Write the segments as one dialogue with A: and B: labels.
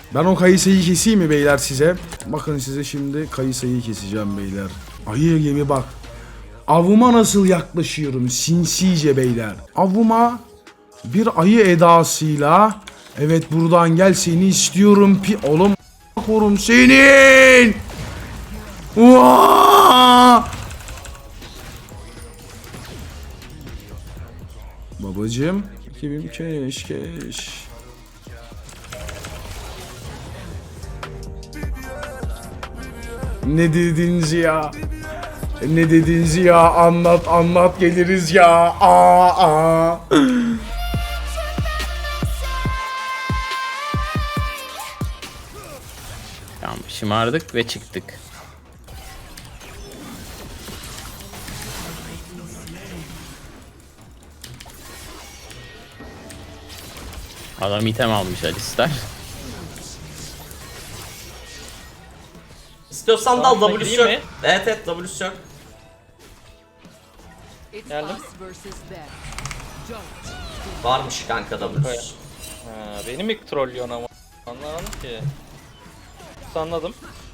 A: Ben o kayısıyı keseyim mi beyler size? Bakın size şimdi kayısıyı keseceğim beyler. Ayı gibi bak. Avuma nasıl yaklaşıyorum sinsice beyler. Avuma bir ayı edasıyla. Evet buradan gel seni istiyorum oğlum korum senin. Vaa! Babacım 2000 keş. Ne dediniz ya? Ne dediniz ya? Anlat geliriz ya. Aa.
B: Tamam, şımardık ve çıktık. Adam item almış Alistar.
C: İstiyorsan dal
D: Tamam,
C: W'su
D: gireyim
C: yok.
D: mi?
C: Evet W'su yok.
D: Geldim.
C: Varmış kanka W'su.
D: Ha, beni mi trollüyorsun ama? Anlamadım ki. Anladım.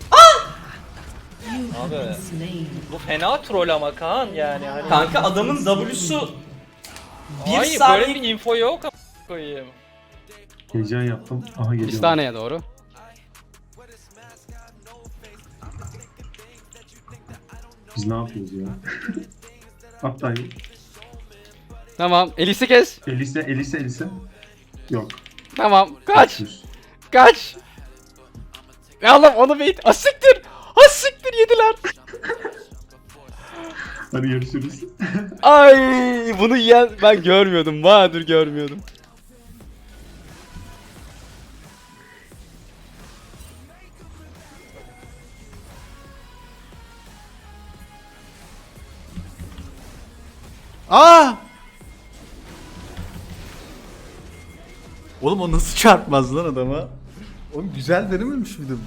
D: Abi bu fena troll ama Kaan yani hani.
C: Kanka adamın W'su bir
D: Hayır,
C: saniye...
D: böyle bir info yok ama koyayım.
E: Heyecan yaptım. Aha geliyor.
F: Pistaneye doğru.
E: Biz ne yapıyoruz ya? Hatta
F: Tamam. Elisi kes.
E: Elise. Yok.
F: Tamam. Kaç.
E: Düz.
F: Kaç. Ya Allah'ım onu bait. Asiktir. Asiktir yediler.
E: Hadi görüşürüz.
F: Ay bunu yiyen ben görmüyordum. Bahadır görmüyordum.
G: Aa! Oğlum o nasıl çarpmaz lan adama? Oğlum güzel denememiş miydim?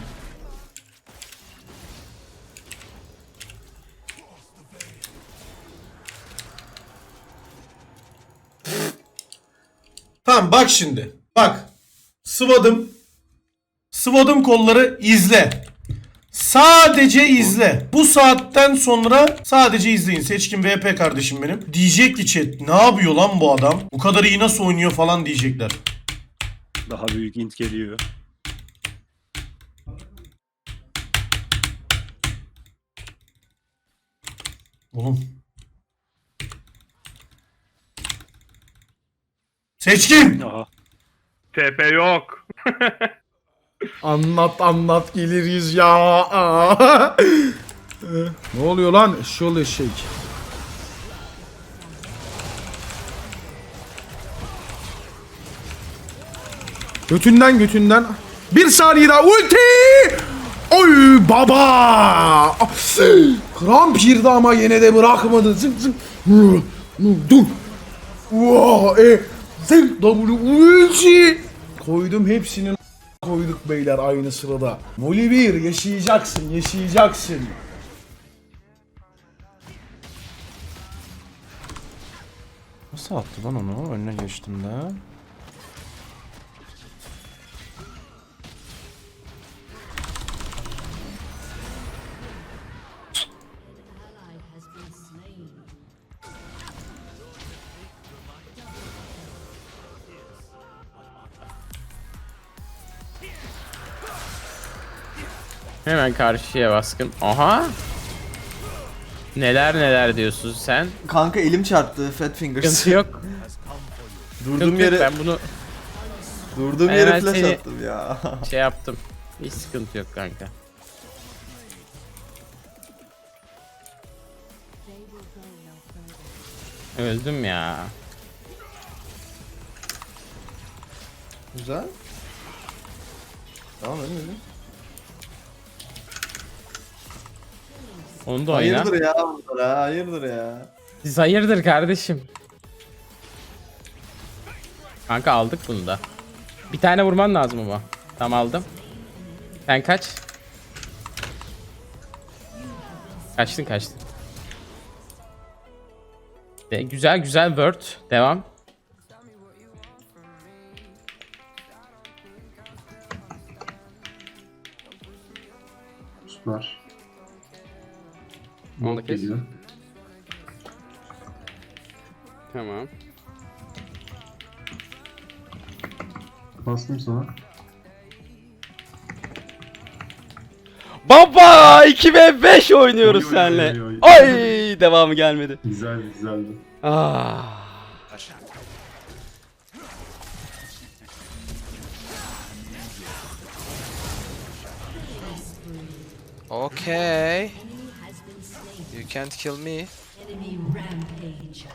H: Tamam bak şimdi. Bak. Sıvadım. Sıvadım kolları izle. Sadece izle. Bu saatten sonra sadece izleyin. Seçkin VP kardeşim benim. Diyecek ki chat ne yapıyor lan bu adam? Bu kadar iyi nasıl oynuyor falan diyecekler.
I: Daha büyük int geliyor.
H: Oğlum. Seçkin.
I: Aha. TP yok.
A: Anlat geliriz ya. Aa. Ne oluyor lan? Şol eşek. Götünden. Bir saniye daha ulti. Oy baba. Kramp girdi ama yine de bırakmadı. Zık. Dur. Zık W ulti. Koydum hepsinin koyduk beyler aynı sırada. Voli 1 yaşayacaksın.
G: Nasıl attı lan onu? Önüne geçtim de.
B: Hemen karşıya baskın. Aha. Neler diyorsun sen?
G: Kanka elim çarptı Fat Fingers.
B: Sıkıntı yok.
G: Durduğum
B: Sıkıntı yok.
G: yere
B: Ben bunu
G: yere
B: Ben
G: flash
B: seni-
G: attım ya.
B: şey yaptım. Hiç sıkıntı yok kanka. Öldüm ya.
G: Güzel. Tamam öyle.
B: Onu da oyna.
G: Hayırdır ya bunlar ha, hayırdır ya.
B: Siz hayırdır kardeşim. Kanka aldık bunu da. Bir tane vurman lazım ama. Tamam aldım. Sen kaç. Kaçtın. Güzel word. Devam.
E: Var.
F: Onu da
E: Bot
F: kes.
E: geliyor.
F: Tamam.
E: Bastım sana.
F: Baba 2v5 oynuyoruz
E: Oy, oy,
F: seninle.
E: oy, oy.
F: Ay devamı gelmedi.
E: Güzel, güzeldi.
F: Ah.
J: Okay. You can't kill me.
K: Enemy rampage.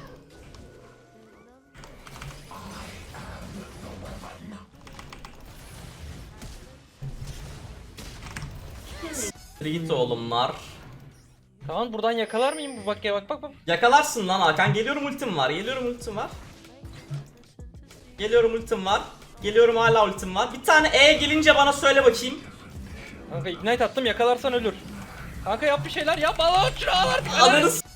C: Git oğlumlar.
D: Kaan buradan yakalar mıyım? Bak ya bak bak bak.
C: Yakalarsın lan Hakan. Geliyorum ultim var. Geliyorum ultim var. Geliyorum ultim var. Geliyorum hala ultim var. Bir tane E gelince bana söyle bakayım.
D: Kanka ignite attım yakalarsan ölür. Kanka yap bir şeyler yap. Al şunu al artık.
C: Ananı s-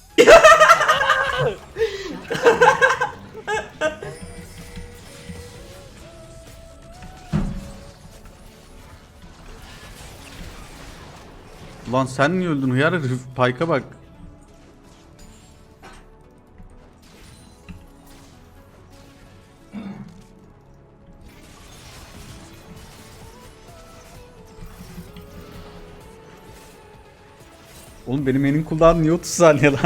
G: Ulan sen niye öldün hıyar herif? Pike'a bak. Oğlum benim enin cooldown niye 30 saniye lan?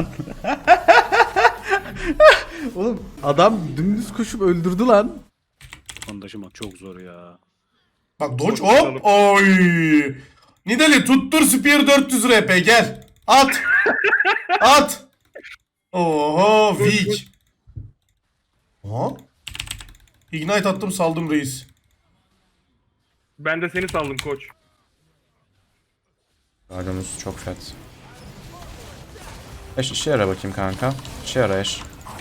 G: Oğlum adam dümdüz koşup öldürdü lan.
I: Onu taşımak çok zor ya.
H: Bak dodge hop. Oy. Nidali tuttur Spear 400 RP gel. At. At. Oho weak. Aha. Ignite attım saldım reis.
I: Ben de seni saldım koç.
J: Radimus çok fat. Eş işe yara bakayım kanka. İşe yara eş.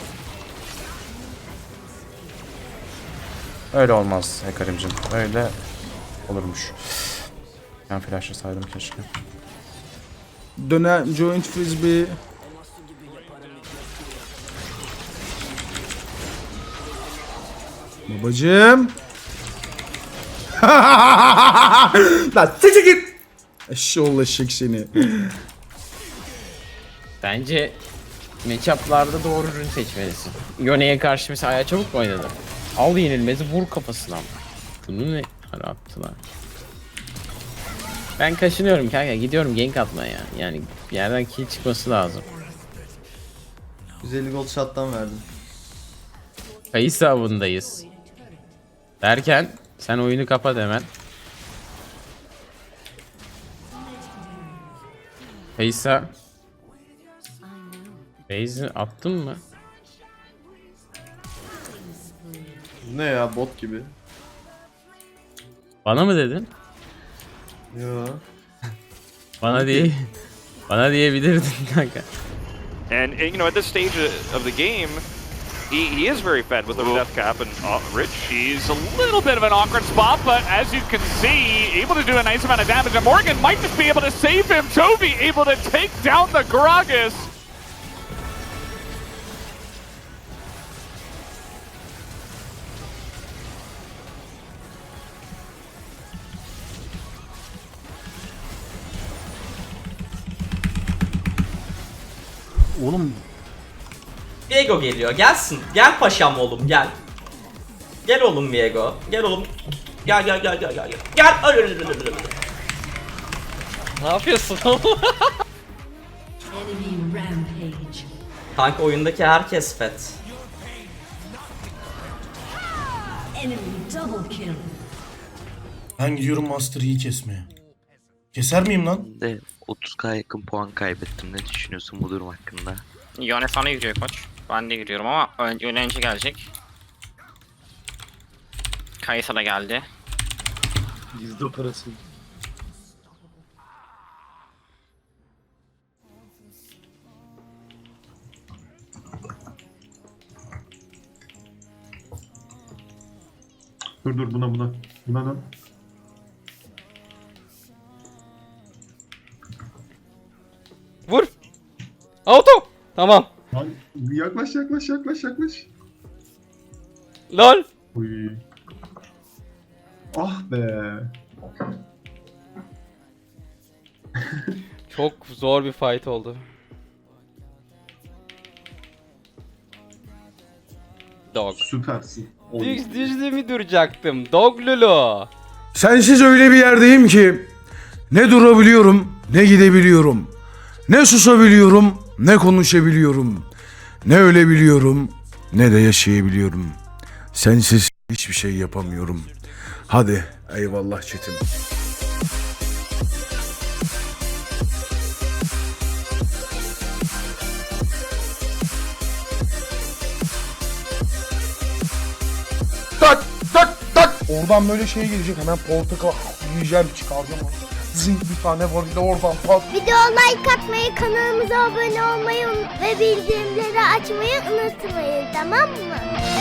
J: Öyle olmaz Hekarim'cim. Öyle olurmuş. Ben flashlasaydım keşke.
A: Dönem joint frisbee. Babacım. Lan siktir git. Eşşoğlu eşek seni.
B: Bence matchup'larda doğru ürün seçmelisin. Yone'ye karşı mesela Aya çabuk mu oynadı? Al yenilmezi vur kafasına. Bunu ne ara attılar? Ben kaşınıyorum kanka, gidiyorum gank atmaya. Yani bir yerden kill çıkması lazım.
G: 150 gold shot'tan verdim.
B: Kayısı avındayız. Derken sen oyunu kapat hemen. Kayısa. Base'i attın mı?
G: Ne ya bot gibi.
B: Bana mı dedin?
G: Yo.
B: Bana değil. Bana diyebilirdin kanka.
L: And you know, at this stage of the game, he is very fed with the death cap and Rich.
M: He's a little bit of an awkward spot, but as you can see, able to do a nice amount of damage. And Morgan might just be able to save him. Toby able to take down the Gragas.
G: Oğlum
C: Viego geliyor. Gelsin. Gel paşam oğlum gel. Gel oğlum Viego. Gel oğlum. Gel gel gel gel gel. Gel.
D: Ne yapıyorsun oğlum?
K: Enemy rampage.
C: Kanka oyundaki herkes fet.
K: Enemy double kill.
H: Ben gidiyorum Master Yi kesmeye. Keser miyim lan?
J: De 30k yakın puan kaybettim. Ne düşünüyorsun bu durum hakkında?
M: Yone sana giriyor koç. Ben de giriyorum ama önce gelecek. Kaysa da geldi.
G: gizli operasyon.
E: Dur buna. Buna dön.
F: Vur. Auto. Tamam.
E: Lan yaklaş.
F: Lol.
E: Uy. Ah be.
F: Çok zor bir fight oldu. Dog.
E: Süpersin.
F: Düzlüğümü duracaktım. Dog Lulu.
A: Sensiz öyle bir yerdeyim ki ne durabiliyorum ne gidebiliyorum. Ne susabiliyorum ne konuşabiliyorum. Ne ölebiliyorum ne de yaşayabiliyorum. Sensiz hiçbir şey yapamıyorum. Hadi eyvallah çetim. Tak tak tak. Oradan böyle şey gelecek, hemen portakal yiyeceğim, çıkaracağım. Zing bir tane var bir de oradan pat.
K: Video like atmayı, kanalımıza abone olmayı ve bildirimleri açmayı unutmayın, tamam mı?